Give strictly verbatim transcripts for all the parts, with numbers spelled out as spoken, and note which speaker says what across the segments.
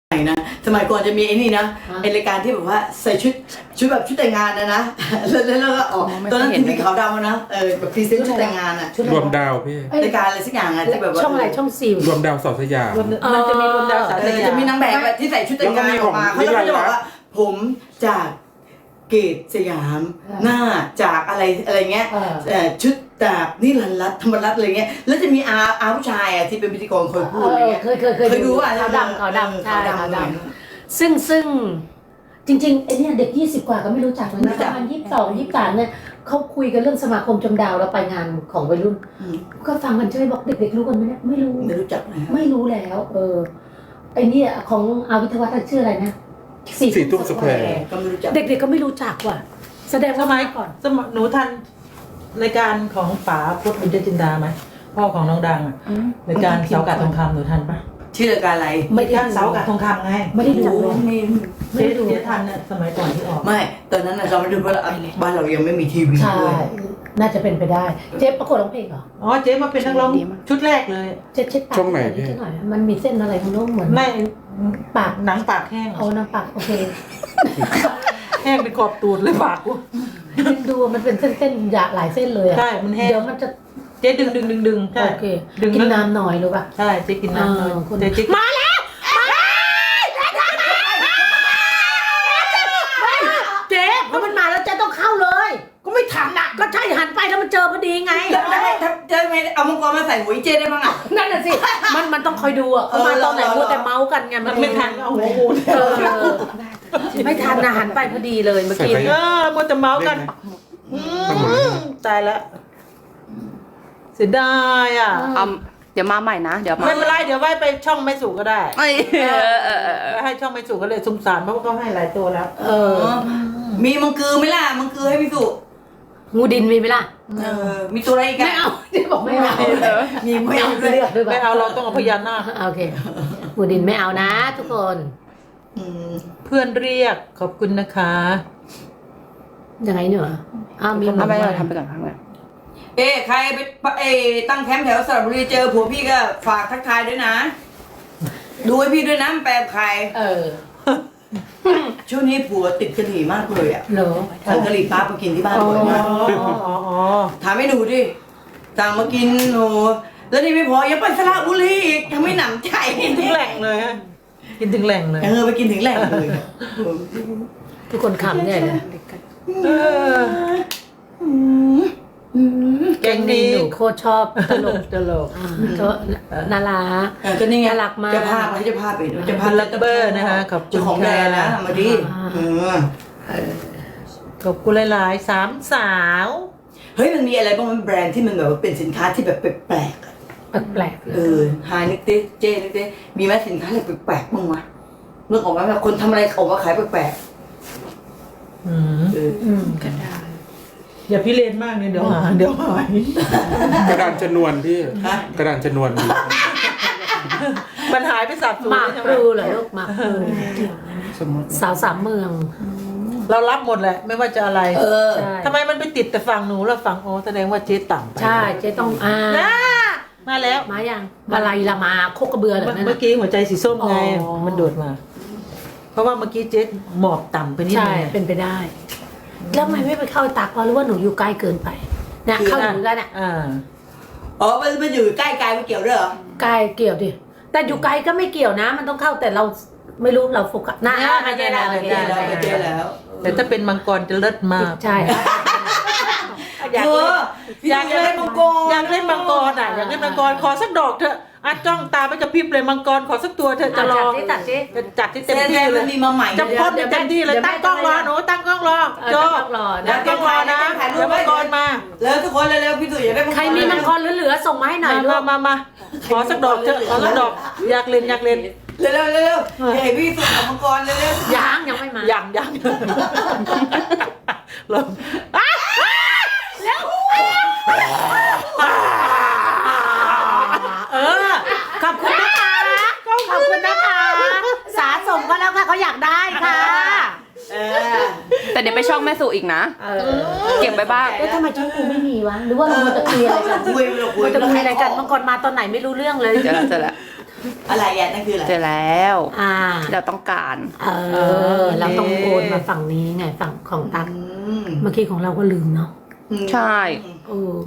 Speaker 1: นะสมัยก่อนจะมีไอ้นี่นะไอรายการที่แบบว่าใส่ชุดชุดแบบชุดแต่งงานนะนะแล้วแล้วก็ออกตอนนั้นทีวีขาวดำนะเออแบบพรีเซนต์ชุดแต่งงานอ่ะ
Speaker 2: รวมดาวพี่
Speaker 1: รายการอะไรสักอย่างอ่ะที่แบบว่า
Speaker 3: ช่องอะไรช่องสี่
Speaker 2: รวมดาวสาวสยาม
Speaker 3: มันจะมีรวมดาวสาว
Speaker 1: เอ
Speaker 3: ส
Speaker 1: อย
Speaker 3: าม
Speaker 1: จะมีนางแบบที่ใส่ชุดแต่งงานออกมาเขาจะบอกว่าผมจากเกตสยามหน้าจากอะไรอะไรเงี้ยเออชุดจากนี่รันรัตธรรมรัตน์อะไรเงี้ยแล้วจะมีอาอาผู้ชายอ่ะที่เป็นพิธีกรคอยพูดอะไรเงี้ย
Speaker 3: เคยเคยเคย
Speaker 1: เคยดูอ่ะ
Speaker 3: ขาวดำขาวดำใช่
Speaker 1: ขาว
Speaker 3: ขาว
Speaker 1: ด
Speaker 3: ดำซึ่งซึ่งจริงๆไอเนี่ยเด็กยี่สิบกว่าก็ไม่รู้จักเลยนะประมาณยี่สิบสองยี่สิบสามเนี่ยเขาคุยกันเรื่องสมาคมจมดาวแล้วไปงานของวัยรุ่นก็ฟังกันใช่ไหมบอกเด็กๆรู้กันไหมเนี่ยไม่รู้
Speaker 1: ไม่รู้จักนะ
Speaker 3: ไม่รู้แล้ว เออไอเนี่ยของอาวิทยาวัฒน์ชื่ออะไรนะ
Speaker 2: สี่ตุ้มสแควร์
Speaker 1: ก็ไม่รู้จัก
Speaker 3: เด็กๆก็ไม่รู้จักว่ะแสดง
Speaker 4: ส
Speaker 3: ว่า
Speaker 4: มัย
Speaker 3: ก่อน
Speaker 4: สมัยหนูทันรายการของป๋าพุทธบุญจินดาไหมพ่อของน้องดังอ่ะรายการเสากาทองคำหนูทันปะ
Speaker 1: ชื่อรายการอะไร
Speaker 3: ไม่ได้
Speaker 4: รายการเสากาทองคำไง
Speaker 3: ไม่ได้ดู
Speaker 1: ไม่
Speaker 3: ไม่ได้ดู
Speaker 4: เจ๊ทันเนี่ยสมัยก่อนที่ออก
Speaker 1: ไม่ตอนนั้นเราไม่ดูเพราะบ้านเรายังไม่มีทีวี
Speaker 3: ใช่
Speaker 1: ด้วย
Speaker 3: น่าจะเป็นไปได้ เจ๊ประกวดร้องเพลงเหรอ
Speaker 4: อ๋อเจ๊มาเป็นนักร้องชุดแรกเลย
Speaker 3: เจ๊เช็ดปาก
Speaker 2: ช่องไหนพี่
Speaker 3: เจ๊หน่อยมันมีเส้นอะไรของน้องเหมือน
Speaker 4: ไม่
Speaker 3: ปาก
Speaker 4: หนังปากแห้ง
Speaker 3: เอาน้ำปากโอเค
Speaker 4: แห้งเป็นขอบตูดเลยปากกู
Speaker 3: ดูมันเป็นเส้นๆหยาหลายเส้นเลยอะ
Speaker 4: ใช่มันแห้ง
Speaker 3: เดี๋ยวมันจะ
Speaker 4: เจ๊ดึงดึงดึงดึงใช่
Speaker 3: โอเค
Speaker 4: ดึง
Speaker 3: กิน
Speaker 4: แล้ว
Speaker 3: น้ำหน่อยรู้ป่ะ
Speaker 4: ใช่เจ๊กินน้ำเลย
Speaker 3: เออคุณ
Speaker 4: เจ๊เจ๊
Speaker 3: มาแล้วมาเจ๊เพราะมันมาแล้วเจ๊ต้องเข้าเลย
Speaker 1: ก็ไม่ทันอ่ะ
Speaker 3: ก็ใช่หันไปแล้วมันเจอพอดีไง
Speaker 1: แล้วแล้วถ้าจะไม่เอามังกรมาใส่หัวอีเจได้บ้างอ่ะ
Speaker 3: นั่นน่ะสิ มันมันต้องคอยดูอ่ะเขามาตอนไหน
Speaker 1: เออ
Speaker 3: มัวแต่เมาส์กันไง
Speaker 4: มันไม่ทันเอาหัวกู
Speaker 3: เออไม่ทันนะหันไปพอดีเลยเมื่อกี้
Speaker 4: เออมัวแต่เมาส์กันอืมตายแล้วเสียดายอ่ะ
Speaker 5: เอาเดี๋ยวมาใหม่นะ เดี๋ยวมา
Speaker 4: ไม่เป็นไรเดี๋ยวไว้ไปช่องไม่สูก็ได้
Speaker 5: ไม่เออเออเออ
Speaker 4: ให้ช่องไม่สูก็เลยสงสารเพราะว่าเขาให้หลายตัวแล้ว
Speaker 3: เออ
Speaker 1: มีมังกือไหมล่ะมังกือให้พี่สุ
Speaker 3: งูดินมีไหมล่ะ
Speaker 1: เออมีตัวอะไรอีก
Speaker 3: ไม่เอาเจ๊บอกไม่เอา
Speaker 1: มี
Speaker 3: ไม่
Speaker 1: ไม่
Speaker 3: เอา
Speaker 1: เอาด้วย
Speaker 3: เลือกด้วยป่ะ
Speaker 4: ไม่เอาเราต้องเอาพยานหน้าค
Speaker 3: โอเคงูดินไม่เอานะ ทุกคน
Speaker 1: อืม
Speaker 4: เพื่อนเรียกขอบคุณนะคะ
Speaker 3: ยังไงเนี่ยอ้าวมี
Speaker 5: ทำไป
Speaker 3: ห
Speaker 5: ก่
Speaker 3: ม
Speaker 5: อน
Speaker 3: ด
Speaker 5: ทำไปก่อนทำไปก่อน
Speaker 1: เอ๊ะใครไปเอ๊ะตั้งแคมป์แถวสระบุรีเจอผัวพี่ก็ฝากทักทายด้วยนะ ดูให้พี่ด้วยนะมันแปลใคร
Speaker 3: เออ
Speaker 1: ช่วงนี้ผัวติดกะหรี่มากเลยอ่ะ
Speaker 3: เหรอ
Speaker 1: สั่งกะหรี่ปั๊บมากินที่บ้านบ่อยมาก
Speaker 4: อ๋ออ๋ออ๋อ
Speaker 1: ถามให้ดูดิสั่งมากินโอ้แล้วนี่ไม่พอยังไปสระบุรีอีกยังไม่หนำใจ
Speaker 4: กินถึงแหล่งเลยฮะกินถึงแหล่งเลย
Speaker 1: เออไปกินถึงแหล่งเลย
Speaker 3: ทุกคนขำใหญ่เลย
Speaker 4: เออแกงดี
Speaker 3: หนูโคตรชอบตลก
Speaker 4: ตลก
Speaker 3: ก็น่ารัก
Speaker 1: เออก็นี่ไง
Speaker 3: น่ารักมาก
Speaker 1: เจะภาพให้เจะภาพไปเจะภา
Speaker 4: พั
Speaker 1: พ
Speaker 4: นลักเบอร์นะคะขอบคุ
Speaker 1: เจ้า
Speaker 4: ณ
Speaker 1: ของแบรนด์นะ
Speaker 4: ค่ะ
Speaker 1: มาดิเออ
Speaker 4: ขอบคุณหลายๆสามสาว
Speaker 1: เฮ้ยมันมีอะไรบ้างมันแบรนด์ที่มันแบบว่าเป็นสินค้าที่แบบแปลกๆอะ
Speaker 3: แปลกๆ
Speaker 1: เออหานิกเต้เจนิกเต้มีไหมสินค้าอะไรแปลกๆบ้างวะเรื่องออกมาแบบคนทำอะไรออกมาขายแปลก
Speaker 4: อืม
Speaker 1: ๆเออ
Speaker 3: อืม
Speaker 4: อย่าพิเรนมากเนี่ยเดี๋ยวหาเดี๋ยวหาย
Speaker 2: กระดานชนวนพี่
Speaker 1: ฮะ
Speaker 2: กระดานชนวน
Speaker 4: มันหายไปสับสน
Speaker 3: หมาก
Speaker 4: ใช่
Speaker 3: พ
Speaker 4: ไหม
Speaker 3: ลูเหรอลูกหมากพลู
Speaker 2: สมมติ
Speaker 3: สาวสามเมือง
Speaker 4: เรารับหมดแหละไม่ว่าจะอะไร
Speaker 1: เออ
Speaker 3: ใช่
Speaker 4: ทำไมมันไปติดแต่ฝั่งหนูแล้วฝั่งโอแสดงว่าเจ๊ต่ำไป
Speaker 3: ใช่เจ๊ต้องอ่า
Speaker 4: อ่ามาแล้ว
Speaker 3: มายังมาลายละมาโคกกระเบือเหรอนั่น
Speaker 4: เมื่อ
Speaker 3: น่ะ
Speaker 4: กี้หัวใจสีส้มไง
Speaker 3: อ๋อ
Speaker 4: มันโดดมา เพราะว่าเมื่อกี้เจ๊หมอบต่ำไปนิด
Speaker 3: ใช่
Speaker 4: นึง
Speaker 3: เป็นไปได้ แล้วทำไมไม่ไปเข้าตากเพราะรู้ว่าหนูอยู่ใกล้เกินไปเนี่ยเข้าอยู่กันอ่ะ
Speaker 4: อ่า
Speaker 1: อ๋อมันมันอยู่ใกล้กายไม่เกี่ยวด้วยเหรอ
Speaker 3: ใกล้เกี่ยวดิแต่อยู่ไกลก็ไม่เกี่ยวนะ มันต้องเข้าแต่เราไม่รู้เราโฟกัสนะไม่ใช่แล้ว
Speaker 1: ไป
Speaker 3: ไม่
Speaker 1: เจ
Speaker 3: ใช่
Speaker 1: อแล้วไปเจอแล้ว
Speaker 4: แต่ถ้าเป็นมังกรจะเลิศมาก
Speaker 3: ใช่
Speaker 4: อยาก
Speaker 1: เอ
Speaker 4: เล่
Speaker 1: อน พี่
Speaker 4: อยาก
Speaker 1: เล่นมังกร
Speaker 4: อยากเล่นมังกรอ่ะอยากเล่นมังกรขอสักดอกเถอะอ่ะจ้องตาไปกระพริบเลยมังกรขอสักตัวเถอะจะลอง
Speaker 3: ตัดสิ
Speaker 4: จะจัดที่
Speaker 1: เต็
Speaker 4: เต็
Speaker 1: ม
Speaker 4: ม
Speaker 1: ที่
Speaker 4: ที่
Speaker 1: เล
Speaker 4: เลย ย
Speaker 1: มีมาใหม่
Speaker 4: จะพ่นเต็มที่เลยตั้งกล้องรอหนูตั้งกล้องรอโจ
Speaker 3: ต้องรอ
Speaker 4: ตั้
Speaker 3: นะ
Speaker 4: งกล้องรอนะเดี๋ยวมังกรมา
Speaker 1: แล้วทุกคนเร็วๆพี่ตุ๋ยอยากได้มังกร
Speaker 3: ใครมีมังกรเหลือๆส่งมาให้หน่อย
Speaker 4: มา
Speaker 3: ลู
Speaker 4: มาก มามาขอสักดอกเถอะขอสักดอกอยากเล่นอยากเล่น
Speaker 1: เร็วๆเร็วๆอย่าให้พี่ตุ๋ยเอามังกรเร็ว
Speaker 3: ยังยังไม่มา
Speaker 4: ยังยังลอง
Speaker 3: เออขอบคุณนะคะขอบคุณนะคะ สาสมก็แล้วค่ะเขาอยากได้ค่ะ
Speaker 1: ๆเออ
Speaker 5: แต่เดี๋ยวไปช่องแม่สุอีกนะ
Speaker 3: เออ
Speaker 5: เก็บไปบ้าง
Speaker 3: แล้วทำไมช่องกูไม่มีวะหรือว่าเราจะคุยอะไรกัน
Speaker 1: คุยเราคุย
Speaker 3: เราจะคุยอะไรกันเมื่อก่อนมาตอนไหนไม่รู้เรื่องเลย
Speaker 5: เจอแล้วเจอแล้ว
Speaker 3: เ
Speaker 1: อะไรอ่ะนั่นคืออะไร
Speaker 5: เจอแล้ว
Speaker 3: อ่า
Speaker 5: เราต้องการ
Speaker 3: เออ เราต้องโอนมาฝั่งนี้ไงฝั่งของตัก
Speaker 1: อืม
Speaker 3: เมื่อกี้ของเราก็ลืมเนาะ
Speaker 5: ใช่
Speaker 3: เออ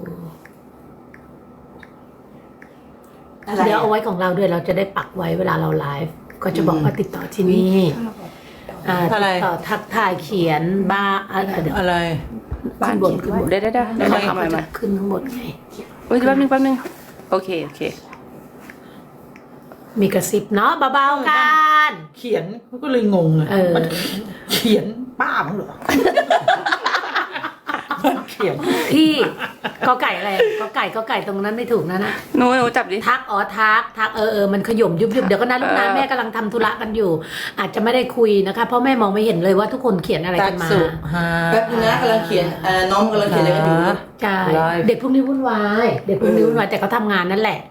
Speaker 1: อะไร
Speaker 3: เดี๋ยวเอา
Speaker 1: อ่ะ
Speaker 3: ไว้ของเราด้วยเราจะได้ปักไว้เวลาเราไลฟ์ก็จะบอกว่าติดต่อที่นี่อ่า
Speaker 4: อะไร
Speaker 3: ติดต่อทักทายเขียนบ้าอ่ะเดี๋ยว
Speaker 4: อะไร
Speaker 5: บ้าน
Speaker 3: ขึ้นบนขึ้นบน
Speaker 5: ได้ได้ได้ได้ทำอะไรมา
Speaker 3: ขึ้นข้างบนไง
Speaker 5: เฮ้ยแป๊บนึงแป๊บนึงโอเคโอเค
Speaker 3: มีกระซิบเนาะเบาๆกัน
Speaker 4: เขียนก็เลยงงเลย
Speaker 3: เออ
Speaker 4: มันเขียนป้ามั้งเหรอ มันเขียน
Speaker 3: พี่ก็ไก่อะไรก็ไก่ก็ไก่ตรงนั้นไม่ถูกนะนะ
Speaker 5: หนูหนูจับดิ
Speaker 3: ทักอ๋อทักทักเออเออมันขย่มยุบยุบเดี๋ยวก็นะลูกนะ
Speaker 5: เออ
Speaker 3: แม่กำลังทำธุระกันอยู่ อาจจะไม่ได้คุยนะคะเพราะแม่มองไม่เห็นเลยว่าทุกคนเขียนอะไร
Speaker 4: ตั
Speaker 3: กั
Speaker 4: ก
Speaker 3: นมา
Speaker 4: สุฮา
Speaker 1: แป๊บนึงนะกำลังเขียนเอ่อน้องกำลังเขียนอะไรกันอยู่
Speaker 3: ใช่
Speaker 4: ไลฟ์
Speaker 3: เด็กพวกนี้วุ่นวายเด็กพวกนี้วุ่นวายแต่เขาทำงานนั่นแหละ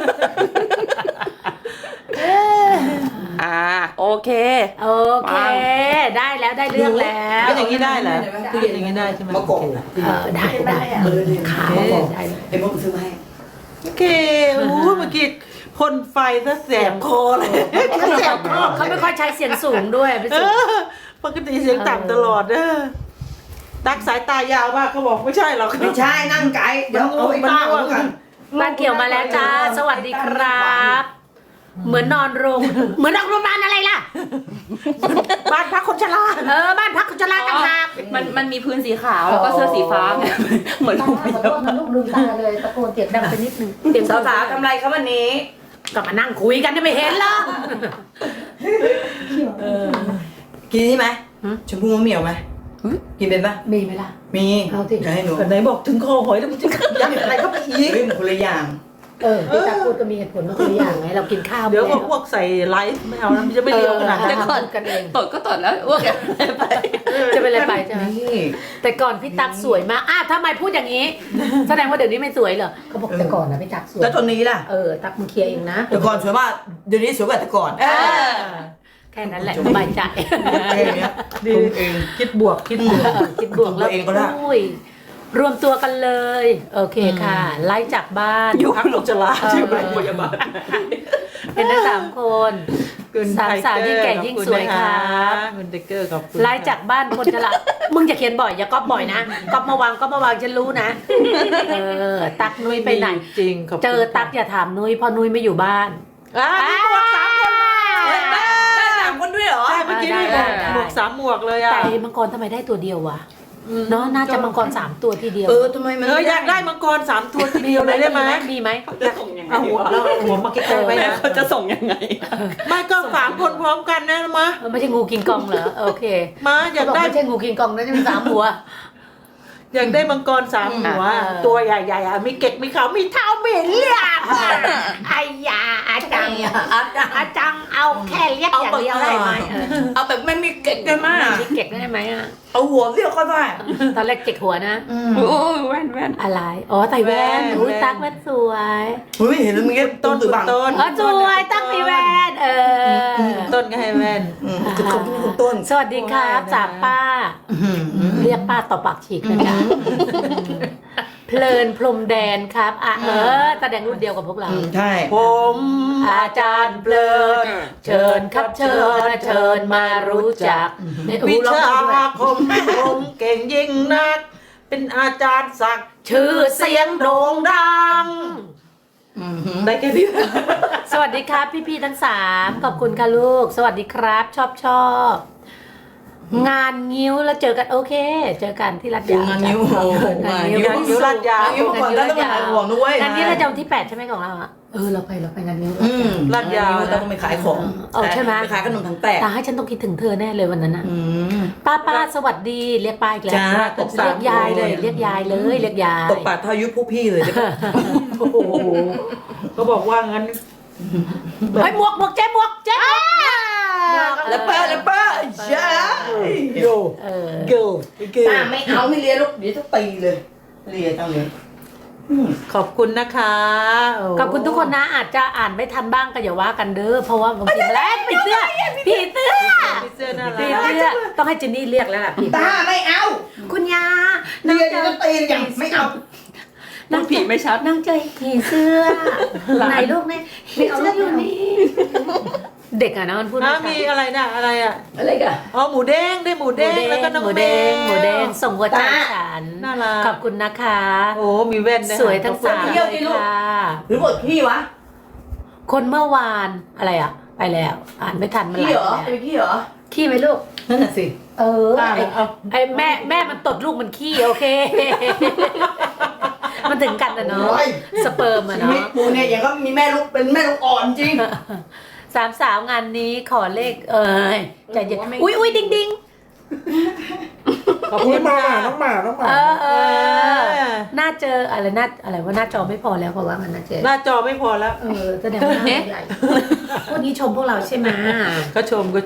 Speaker 5: อ่าโอเค
Speaker 3: โอเค ได้แล้วได้เรื่องแล้ว
Speaker 4: เป็นอย่างนี้ได้เหรอตู้เย็นอย่างนี้ได้ใช่ไหม
Speaker 1: มะกอก
Speaker 3: เออได้ได้
Speaker 1: เออเนี่ย
Speaker 3: ขาว
Speaker 1: มะกอก
Speaker 3: ได้
Speaker 1: ไอ้มดมันซื้อมาให้
Speaker 4: โอเคโอ้โหเมื่อกี้พ่นไฟซะแสบคอเลยแสบคอ
Speaker 3: เขาไม่ค่อยใช้เสียงสูงด้วยไป
Speaker 4: เอ
Speaker 3: สูง
Speaker 4: อปกติเสียงต่ำตลอดเด้อตักสายตายาวมากเขาบอกไม่ใช่หรอก
Speaker 1: ไม่ใช่นั่งไกลเดี๋ยวเอาไอ้ป้าเอากัน
Speaker 3: บ้านเกี่ยวมาแล้วจ้าสวัสดีครับ เหมือนนอนโรงเหมือนนอนโรงพยาบาลอะไรล่ะ
Speaker 4: บ้านพักคนชรา
Speaker 3: เออบ้านพักคนชราต่างหาก
Speaker 5: มันมันมีพื้นสีขาวแล้วก็เสื้อสีฟ้าไงเหมือน
Speaker 3: ตาขอโทษนะลูกลืมตาเลยตะโกนเสียงดังไปนิดนึงเสียง
Speaker 1: สาวๆทำไรครับวันนี้
Speaker 3: ก็มานั่งคุยกันจะไม่เห็นเหรอ
Speaker 1: กินนี่ไหม
Speaker 3: หืม
Speaker 1: ชมพู่มะเหมี่ยวไหมกินเป็นปะ
Speaker 3: มีไหมล่ะ
Speaker 1: มี
Speaker 3: เอาสิ
Speaker 1: จะให้หนู
Speaker 4: แต่ไหนบอกถึงคอหอยแล้วมันจะยัดอะไรเข้าไปอีก
Speaker 1: เฮ้ยมันคนละอย่าง
Speaker 3: เออพี่ตาพูดก็มีเหตุผลมาตัวอย่างไงเรากินข้าว
Speaker 4: เดี๋ยวพวก
Speaker 3: แล้
Speaker 4: พวกใส่ไลฟ์ไม่เอานะมันจะไม่เรียวขนาด
Speaker 3: เออ
Speaker 4: นั้น
Speaker 3: พูดกันเอง
Speaker 5: ตดก็ตดแล้วอ้วกไป
Speaker 3: จะเป็นอะไรไปใช่ไหม
Speaker 1: นี่
Speaker 3: แต่ก่อนพี่ตั๊กสวยมากอ้าวทำไมพูดอย่างนี้ แสดงว่าเดี๋ยวนี้ไม่สวยเหรอเขาบอกแต่ก่อนนะพี่ตั๊กสวย
Speaker 1: แล้วตอนนี้ล่ะ
Speaker 3: เออตั๊กมึงเคลียร์เองนะ
Speaker 1: แต่ก่อนสวยมากเดี๋ยวนี้สวยกว่าแต่ก่อน
Speaker 5: เออ
Speaker 3: แค่นั้นแหละสบายใจ
Speaker 1: แค่เนี้ย
Speaker 4: ดี
Speaker 1: ผมเอง
Speaker 4: คิดบวกคิดบวก
Speaker 3: เออคิดบวกแล้ว
Speaker 1: ตัวเองก็ได้
Speaker 3: อุ้ยรวมตัวกันเลย โอเคค่ะ ไล่จากบ้าน
Speaker 4: อยู่พักคนชราใช่ไหมพยาบาล
Speaker 3: เป็นทั้งสามคน
Speaker 4: คุณ
Speaker 3: สามสาวยิ่งแก่ยิ่งสวยครับ
Speaker 4: คุณเดกเกอร์ขอบคุณ
Speaker 3: ไล่จากบ้านคนจะละมึงจะเขียนบ่อยอย่าก๊อปบ่อยนะก๊อปมาวางก๊อปมาวางฉันรู้นะเออตักนุ้ยไปไหน
Speaker 4: จริงขอบคุณ
Speaker 3: เจอตักอย่าถามนุ้ยเพราะนุ้ยไม่อยู่บ้าน
Speaker 4: อ่ามีหมวกสามคน
Speaker 1: ได้ได้สามคนด้วยเหรอ
Speaker 4: ใช่เมื่อกี้มีหมวกหมวกสามหมวกเลยอ่ะ
Speaker 3: แต่มังกรทำไมได้ตัวเดียววะเนาะน่าจะมังกรสามตัวทีเดียว
Speaker 1: เออทำไมมัน
Speaker 4: เอออยากได้มังกรสามตัวทีเดียวเลยได้ไหม
Speaker 3: มีไหม
Speaker 5: จะส่งยังไง
Speaker 4: เอาหัว
Speaker 5: วะ
Speaker 4: แล้วหัวมาใกล้ๆไว้นะ
Speaker 5: เขาจะส่งยังไง
Speaker 4: ไม่ก็สามคนพร้อมกันนะมะ
Speaker 3: เออไม่ใช่งูกินกองเหรอโอเค
Speaker 4: มาอยาก
Speaker 3: เขาบอก
Speaker 4: ได้
Speaker 3: ไม่ใช่งูกินกองนะจะเป็นสามหัว
Speaker 4: อยากได้มังกรสามหัว
Speaker 3: เออ
Speaker 4: ตัวใหญ่ๆอ่ะมีเกล็ดมีเขามีเท้ามีเลือดไอ้ยาอาจังอาจังเอาแค่เรียกอย่างเดียวได้ไหมเออ
Speaker 1: เอาแบบไม่มีเกล็ดได้ไหมอะ
Speaker 3: มีเก็กได้ไหมอ่ะ
Speaker 1: เอาหัวเรียกก็ได้
Speaker 3: ตอนแรกเก็กหัวนะ
Speaker 5: โอ้ยแว่นแว่น
Speaker 3: อะไรอ๋อใส่แว่นอุ้ยตักแว่นสวย
Speaker 1: เฮ้ยเห็นแล้วมึงก็
Speaker 4: ต้น
Speaker 1: ตือบัง
Speaker 4: ต้น
Speaker 3: อ๋อสวยตักมีแว่นเออ
Speaker 4: ต้นก็ให้แว่น
Speaker 1: อืมคือเขาเป็นคุณต้น
Speaker 3: สวัสดีครับจากป้า เรียกป้าต่อปากฉีกนะจ๊ะเพลินพรมแดนครับอ่ะเออแสดงรุ่นเดียวกับพวกเรา
Speaker 1: อืมใช่
Speaker 4: ผม
Speaker 3: อาจารย์เพลิน เชิญครับเชิญเชิญมารู้จักเนี่ยโอ้
Speaker 4: วิ
Speaker 3: โหร้อง
Speaker 4: ชา
Speaker 3: ได้ด้วย
Speaker 4: คมผมเก่งยิ่งนัก เป็นอาจารย์ศักดิ์
Speaker 3: ชื่อเสียงโด่งดัง
Speaker 4: ได้แค่นี้
Speaker 3: สวัสดีครับพี่ๆทั้งสามขอบคุณค่ะลูก สวัสดีครับชอบชอบงานงิ้วแล้วเจอกันโอเค เจอกันที่รัด
Speaker 1: ดู
Speaker 3: ยาว
Speaker 1: งานนิ้วโอ้โห
Speaker 3: งาน
Speaker 1: งาน
Speaker 3: งิ้ว
Speaker 1: นิ้ว
Speaker 4: นิ้วลาดยาว
Speaker 1: นิ้วก่อนแล้วต้องมาขายของด้วย
Speaker 3: งานนี้เราจะวันที่แปดใช่ไหมของเราอ่ะเออเราไปเราไปงานงิ้ว
Speaker 1: อืม
Speaker 4: ลาดยาวนะ
Speaker 1: ต้องไปขายของ
Speaker 3: เออใช่ไหม
Speaker 1: ไปขายขนมถังแตก
Speaker 3: ตาให้ฉันต้องคิดถึงเธอแน่เลยวันนั้นน่ะ
Speaker 1: อืม
Speaker 3: ป้าป้าสวัสดีเรียกป้าอีกแล้ว
Speaker 1: จ้าตกสาม
Speaker 3: เรียกยายเลย เรียกยายเลยเรียกยาย
Speaker 1: ตกปากเท่าอายุพวกพี่เลยได้ปะ
Speaker 4: โอ้โหเขาบอกว่างั้น
Speaker 3: เฮ้ยหมวกหมวกเจ๊หมวกเจ๊หมวก
Speaker 1: แล้วเป้าแล้วเป้าใช่
Speaker 4: โย
Speaker 3: เออ
Speaker 4: เกิล
Speaker 1: ตาไม่เอาไม่เรียนลูกเดี๋ยวจะตีเลยเรียนจังเลยอืม
Speaker 4: ขอบคุณนะคะโ
Speaker 3: ขอบคุณทุกคนนะอาจจะอ่านไม่ทันบ้างก็อย่าว่ากันเด้อเพราะว่าบางทีแลกผีเสื้อผีเสื้อ
Speaker 4: พี่เสื้อน่า
Speaker 3: ผี
Speaker 4: รัก
Speaker 3: เสื้อต้องให้เจนนี่เรียกแล้วล่ะผี
Speaker 1: ตาไม่เอา
Speaker 3: คุณยา
Speaker 1: เรียนจะตีอย่างไม่เอา
Speaker 5: พูดผีไม่ชัด
Speaker 3: นั่งเจอผีเสื้อไหนลูกเนี่ยผีเสื้ออยู่นี่เด็กอะนะมันพูด
Speaker 4: อ่ะ
Speaker 3: ไม่
Speaker 4: มี
Speaker 3: ชัด
Speaker 4: อะไรนะอะไรอ่ะ
Speaker 3: อะไรกัน
Speaker 4: อ๋อหมูเด้งได้หมูเด้งแล้วก็น้อง
Speaker 3: หมู
Speaker 4: แม
Speaker 3: แดง
Speaker 4: ว
Speaker 3: หมูแดงส่งหัวใจฉัน
Speaker 4: น่ารัก
Speaker 3: ขอบคุณนะคะ
Speaker 4: โอ้มีแว่นด้วย
Speaker 3: สวยทั้งสาม
Speaker 1: เที่ยวที่ลูก
Speaker 3: ค่ะ
Speaker 1: หรือบทพี่วะ
Speaker 3: คนเมื่อวานอะไรอะไปแล้ว อ่านไม่ทันมัน
Speaker 1: พี่
Speaker 3: ไหล
Speaker 1: เหรอ
Speaker 3: ไป
Speaker 1: เป็นพี่เหรอ
Speaker 3: แล้วขี้ไหมลูก
Speaker 1: นั่นน่ะสิ
Speaker 3: เออ
Speaker 4: อ่ะ
Speaker 3: ไอ้
Speaker 4: เอา
Speaker 3: ไอ้แม่แม่มันตดลูกมันขี้โอเค มันถึงกันนะเนาะ
Speaker 1: โอ้ย
Speaker 3: สเปิร์มอะ
Speaker 1: ชีวิต
Speaker 3: เนาะ
Speaker 1: กูเนี่ยอย่างก็มีแม่ลูกเป็นแม่ลูกอ่อนจริง
Speaker 3: สามสาวงานนี้ขอเลขเอ้ยใจเย็นอุ้ยอุ้ยดิงดิง
Speaker 4: ขอบ
Speaker 2: อุ้
Speaker 4: คุ
Speaker 2: ย
Speaker 4: ณ
Speaker 2: มาหมา
Speaker 4: ค่ะ
Speaker 2: น้องหมาน้องหมา
Speaker 3: เออเอ
Speaker 4: เอ
Speaker 3: อ
Speaker 4: อ
Speaker 3: หน้าเจออะไรหน้าอะไรว่าหน้าจอไม่พอแล้วเพราะว่ามันหน้าเจอ
Speaker 4: หน้าจอไม่พอแล้ว
Speaker 3: เออแสดงว่าหน้าใหญ่พวกนี้ชมพวกเราใช่ไหม
Speaker 4: ก็ชมก็